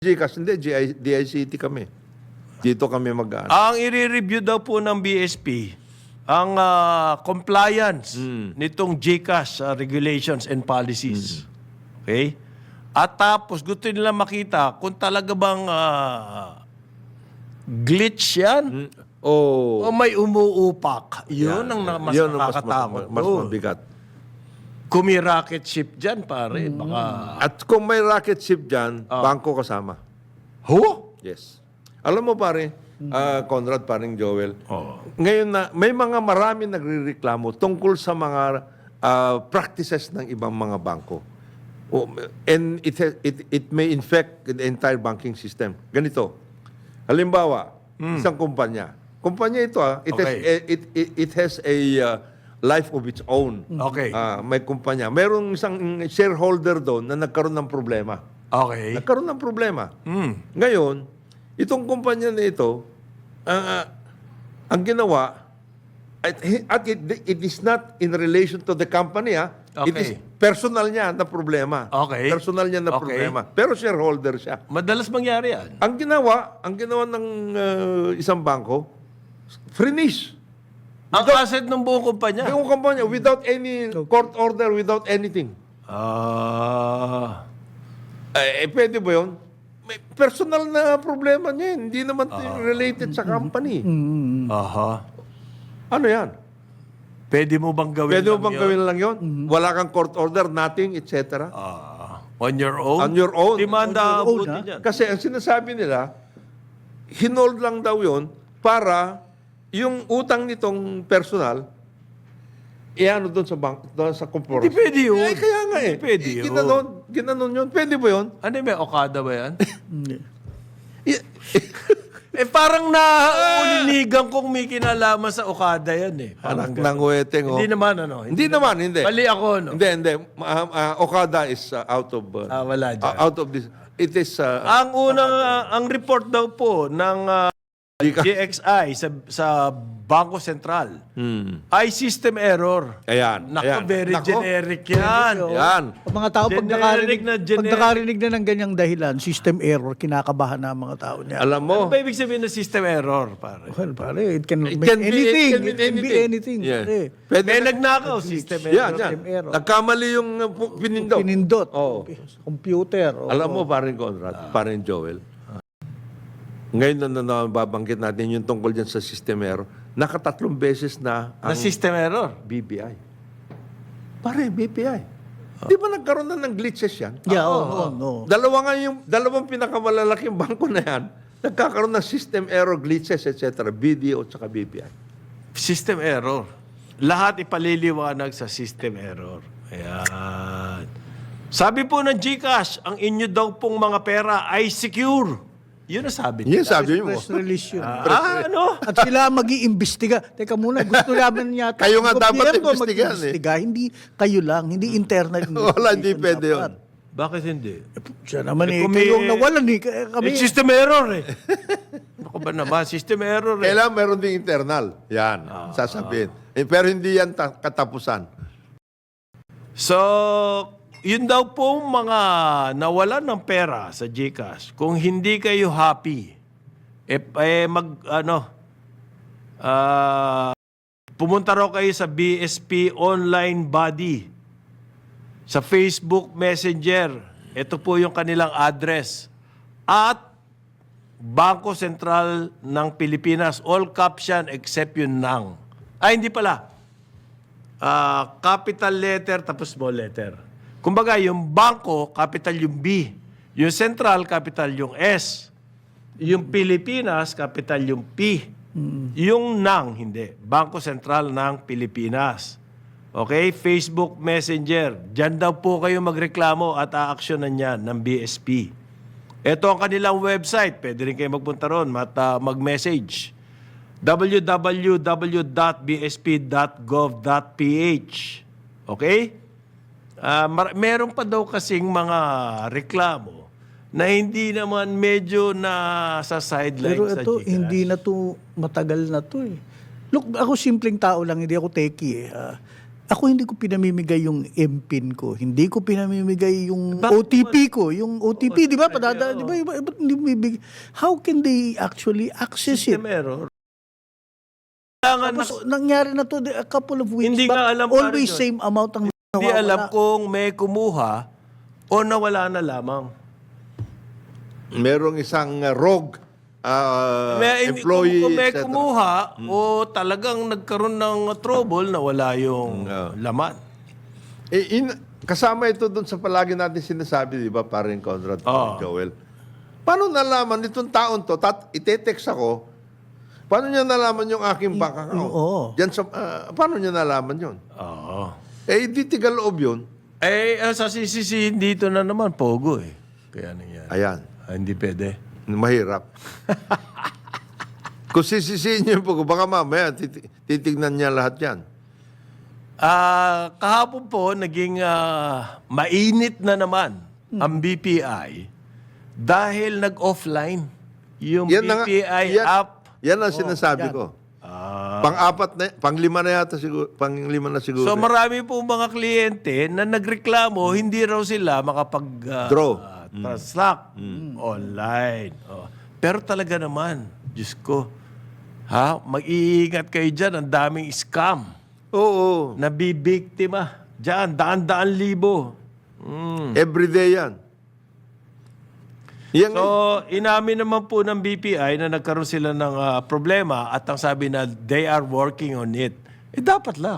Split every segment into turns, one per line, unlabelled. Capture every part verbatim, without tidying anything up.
GCash, hindi, G I, D I C T kami. Dito kami mag
Ang i-review daw po ng B S P, ang ah, compliance nitong GCash ah, regulations and policies. Okay? At tapos gusto nila makita kung talaga bang ah, glitch yan
Oh,
o may umuupak. Yun ang na- mas
yun ang
nakakatakot.
mas, mas
doon.
mabigat.
Kung may rocket ship dyan, pare, baka...
At kung may rocket ship dyan, bangko kasama.
Ho?
Yes. Alam mo pare, ah, Conrad, paring Joel,
Oh.
ngayon na may mga marami nagrereklamo tungkol sa mga ah, practices ng ibang mga bangko. Oh, and it, has- it, it may infect the entire banking system. Ganito, halimbawa, isang kumpanya. Kumpanya ito, ah, it, has,
Okay.
it, it, it has a ah, life of its own.
Okay.
Ah, may kumpanya. Merong isang shareholder doon na nagkaroon ng problema.
Okay.
Nagkaroon ng problema.
Hmm.
Ngayon, itong kumpanya na ito, ang ah, ang ginawa, at, at it, it is not in relation to the company, ah. It is
Okay.
personal niya na problema.
Okay.
Personal niya na
Okay.
problema. Pero shareholder siya.
Madalas mangyari yan.
Ang ginawa, ang ginawa ng ah, isang bangko, freeze.
Ang asset ng buong kumpanya.
Yung kumpanya, without any court order, without anything.
Ah...
Eh, eh, pwede ba yun? May personal na problema niya yun. Hindi naman related sa company.
Aha.
Ano yan?
Pwede mo bang gawin
Pwede mo
lang
bang
yun?
gawin lang yun? Wala kang court order, nothing, et cetera.
Ah, on your own?
On your own.
Demanda
On your own,
abuti
ha?
dyan.
Kasi ang sinasabi nila, hinold lang daw yun para yung utang nitong personal, iano doon sa bank, doon sa corporation.
Hindi pwede yun.
Eh, kaya nga eh.
Hindi pwede
Eh,
yun.
Ginanon, ginanon yun. Pwede ba yun?
Ano may Okada ba yan?
Hindi.
I-
eh parang naulinigan kong may kinalaman sa Okada yan eh.
Anak
Parang ganun.
ng weteng, oh.
Hindi naman ano.
Hindi naman, hindi.
Mali ako no.
Hindi, hindi. Ah, ah, Okada is uh, out of uh,
Ah, wala dyan.
uh, out of this. It is uh,
Ang unang, ah, ang report daw po ng ah, G X I sa, sa Bangko Sentral
hmm.
ay system error.
Ayan.
Nako,
ayan.
very
Nako.
generic yan.
Yan.
Ang mga tao, pag
Generic
nakarinig,
na
pag
generic.
nakarinig na ng ganyang dahilan, system error, kinakabahan na ang mga tao niya.
Alam mo,
Ano ba ibig sabihin ng system error, pare?
Well, pare, it can
it
be
can be,
anything.
it can be anything.
anything.
Yeah.
Pare.
Pwede
May
na-
nagnakaw, system error.
Yan, yan.
System error.
Nagkamali yung uh, pu- pinindot.
Pinindot.
Oo.
Computer. o-
Alam mo, parin Conrad, parin Joel, ngayon na, na, na babanggit natin yung tungkol dyan sa system error, nakatatlong beses na
Na
ang
system error.
B P I. Pare, B P I. Di ba nagkaroon na ng glitches yan?
Yeah, oo, no.
Dalawa nga yung, dalawang pinakamalalaking bangko na yan, nagkakaroon ng system error, glitches, et cetera. B D O at saka B P I.
System error. Lahat ipaliliwanag sa system error. Ayan. Sabi po ng GCash, ang inyo daw pong mga pera ay secure. Yun ang sabi
Yan
nila.
sabi mo.
Press release yun.
Ah, ano?
At sila mag-iimbestiga. Teka muna, gusto namin yata.
Kayo nga
ang
dapat
gobyerno
imbestigahan, eh.
mag-imbestiga. Hindi kayo lang, hindi internal
Wala, hindi
investigation
pwede
dapat.
yun.
Bakit hindi?
Siya naman
Eh,
eh,
kung may-
kayong nawalan eh. Kaya Kami,
Eh, system error eh. Ano ba naman? System error eh.
Kailangan meron ding internal. Yan, sasabihin. Eh, pero hindi yan ta- katapusan.
So, yun daw pong mga nawalan ng pera sa GCash, kung hindi kayo happy, eh, eh mag, ano, ah, pumunta raw kayo sa B S P online body, sa Facebook Messenger. Ito po yung kanilang address. At Bangko Sentral ng Pilipinas, all caption except yung nang. Ay, hindi pala. Ah, capital letter tapos small letter. Kumbaga, yung bangko, capital yung B. Yung central, capital yung S. Yung Pilipinas, capital yung P. Yung nang, hindi. Bangko Sentral ng Pilipinas. Okay? Facebook Messenger. Diyan daw po kayo magreklamo at aaksyonan yan ng B S P. Ito ang kanilang website. Pwede rin kayo magpunta ron at uh, mag-message. w w w dot b s p dot gov dot p h. Okay? Ah, mar- meron pa daw kasing mga reklamo na hindi naman medyo na sa sideline
pero
sa
ito,
GCash.
hindi na to, matagal na to eh. Look, ako simpleng tao lang, hindi ako techie eh. Ah, Ako hindi ko pinamimigay yung M P I N ko. Hindi ko pinamimigay yung
Bakit
O T P ko. Yung O T P, di ba? Padada, di ba? Iba, iba, hindi bibig. How can they actually access it?
System error. Kailangan na,
Tapos, nangyari na to a couple of weeks
Hindi
back.
nga alam,
Always
Karen,
same amount ang
hindi
nawawala.
alam kung may kumuha o nawala na lamang.
Merong isang uh, rogue uh,
May,
employee,
kung, kung may
et cetera.
kumuha o talagang nagkaroon ng trouble na wala yung
Mm.
laman.
Eh, in, kasama ito doon sa palagi natin sinasabi, di ba, parin Conrad,
Oo.
Joel. Paano nalaman itong taon to, tat, ite-text ako, paano niya nalaman yung aking bank account?
oo.
Diyan sa, ah, paano niya nalaman yun?
Oo.
Eh, di tigal-loob yun.
Eh, ah, sa sisisihin dito na naman, pogo eh. Kaya nangyari.
Ayan,
Ah, hindi pwede.
mahirap. Kung sisisihin niyo po, baka mamaya titi- titignan niya lahat yan.
Ah, kahapon po, naging ah, mainit na naman ang B P I dahil nag-offline yung
Yan na nga,
B P I
yan-
app.
Yan ang sinasabi ko.
Ah.
Pang-apat na, pang-lima na yata siguro, pang-lima na siguro.
So marami po mga kliyente na nagreklamo, hindi raw sila makapag ah,
Draw.
ah, transact online. Oh. Pero talaga naman, Diyos ko, ha, mag-iingat kayo dyan, ang daming scam.
Oo.
Nabibiktima. Diyan, daan-daan libo. Mm.
Everyday yan. Yan,
So, inamin naman po ng B P I na nagkaroon sila ng ah, problema at ang sabi na they are working on it. Eh, dapat lang.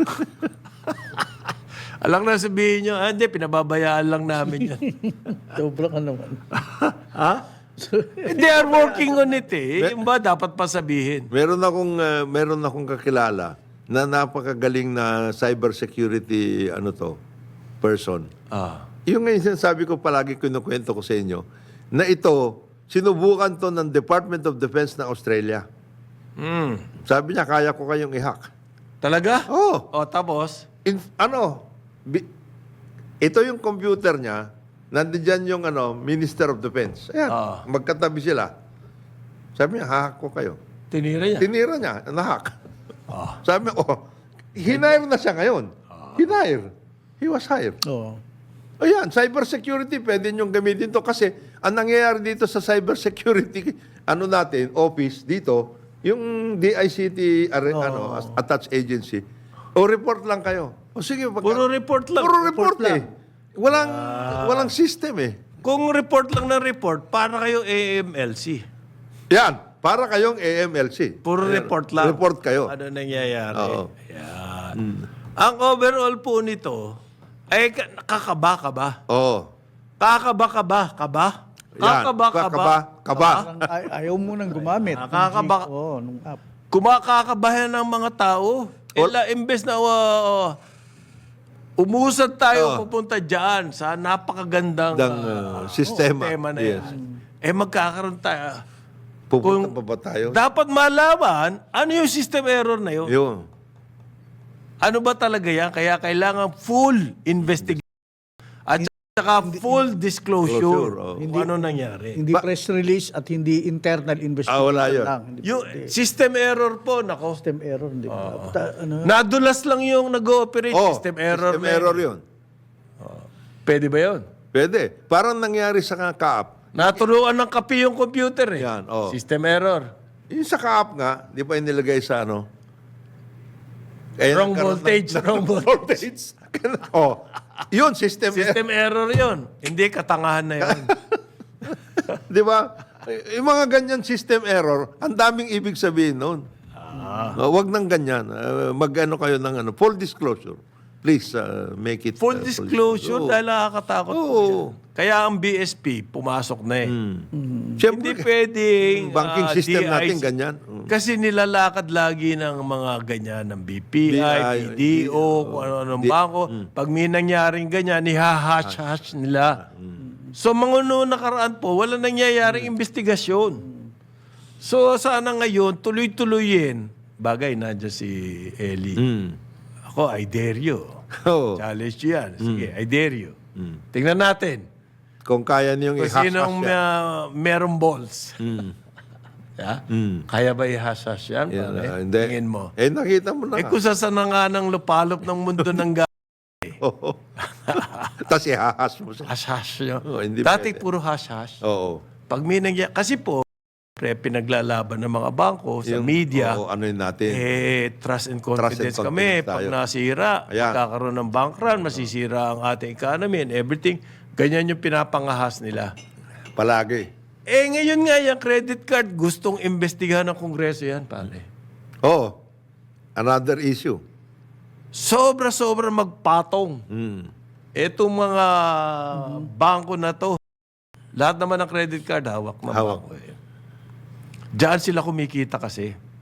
Alang na sabihin nyo, ah, hindi, pinababayaan lang namin yan.
Sobra ka naman.
Ha? Eh, they are working on it eh. Yung ba, dapat pa sabihin.
meron akong uh, meron akong kakilala na napakagaling na cybersecurity ano to person.
Ah.
Yung ngayon sinasabi ko palagi kinukwento ko sa inyo na ito sinubukan to ng Department of Defense ng Australia.
Mm.
Sabi niya kaya ko kayong i-hack.
Talaga?
Oh,
O, tapos?
in, ano bi- ito yung computer niya, nandiyan yung ano Minister of Defense. Ayan,
Ah.
magkatabi sila. Sabi niya, hack ko kayo.
Tinira niya.
Tinira niya, na-hack.
Ah.
Sabi niya, oh, hinire na siya ngayon. Hinire. He was hired.
Oo.
Ayan, cybersecurity, pwede niyong gamitin to kasi ang nangyayari dito sa cybersecurity, ano natin, office dito, yung D I C T, are, ano, as- attached agency, o report lang kayo. O sige, pagka-
Puro report lang.
Puro report,
Report
eh. Walang, walang system eh.
Kung report lang ng report, para kayo A M L C.
Yan, para kayong A M L C.
Puro
Ayan,
report lang.
Report kayo.
Ano nangyayari?
Oo.
Yan. Ang overall po nito, ay ka- kakaba ka ba?
Oo.
Kakaba ka ba? Kaba?
Yan,
Kakaba ka ba?
kakaba, kaba.
Parang ay- ayaw mo nang gumamit.
Nakakaba-
Oo, nung app.
Kumakakabahan ng mga tao. Ila, imbes na uh, umusad tayo pupunta dyan sa napakagandang
Dang,
uh,
uh, sistema.
tema na
Yes.
yan. Eh magkakaroon tayo.
Pupunta
Kung-
pa ba tayo?
Dapat malaman ano yung system error na yun.
Yun.
Ano ba talaga yan? Kaya kailangan full investigation at saka full disclosure
Disclosure, oh.
kung ano nangyari.
Hindi press release at hindi internal investigation
Ah, wala yun.
lang. Hindi
Yung
pwede.
system error po, nako.
System error, hindi ba? Ta- ano?
Nadulas lang yung nag-ooperate.
Oh,
system error.
System
na
error
yun.
yun.
Pwede ba yun?
Pwede. Parang nangyari sa Kaap.
Naturuan ng kapi yung computer eh.
Yan, oh.
System error.
Yung sa Kaap nga, di pa inilagay sa ano? Kaya
Wrong
nagkaroon
voltage,
ng-
wrong
voltage. oh. Yun, system,
System error yun. Hindi, katangahan na yun.
di ba? Yung mga ganyan system error, ang daming ibig sabihin noon.
Ah.
Uh, wag nang ganyan. Uh, mag-ano kayo ng ano, full disclosure. Please uh, make it
Full
uh,
disclosure
Oo.
dahil nakakatakot po
Oo.
yan. Kaya ang B S P, pumasok na eh.
Siyempre,
Hindi pwedeng
banking
ah,
system
D I C.
natin ganyan. Mm.
Kasi nilalakad lagi ng mga ganyan ng B P I,
B I,
P D O, kung ano-anong
D-
bangko. Pag may nangyaring ganyan, nihahash-hash nila. So mga noon nakaraan po, wala nangyayaring investigasyon. So sana ngayon, tuloy-tuloyin. Bagay, nandiyan si Ellie.
Mm.
Ako, I dare you.
Oo.
Challenge you yan. Sige, I dare you. Tingnan natin.
Kung kaya niyong
Kung
i-hack
sinong
siya.
uh, merong balls. Yeah? Kaya ba ihasas yan?
Yan,
pare?
ah, hindi.
Tingin mo.
Eh, nakita mo na.
Eh kung saan na nga ng lupalop ng mundo ng ga-
Oo. Tapos ihahas mo siya.
hash-hash nyo.
Oh, hindi
Dati
pwede.
puro hash-hash.
Oo.
Pag may nangyari, kasi po, pre, pinaglalaban ng mga bangko sa
Yung-
media,
Oo, ano yun natin.
eh, trust and confidence,
Trust and
kami.
confidence
Pag
tayo.
nasira,
Ayan.
magkakaroon ng bank run, masisira ang ating economy and everything. Ganyan yung pinapangahas nila.
Palagi.
Eh, ngayon nga yung credit card, gustong imbestigahan ng Kongreso yan, pare.
Oo. Another issue.
Sobra-sobra magpatong.
Mm.
Etong mga bangko na to, lahat naman ng credit card, hawak ng
Hawak.
bangko. Eh. Diyan sila kumikita kasi.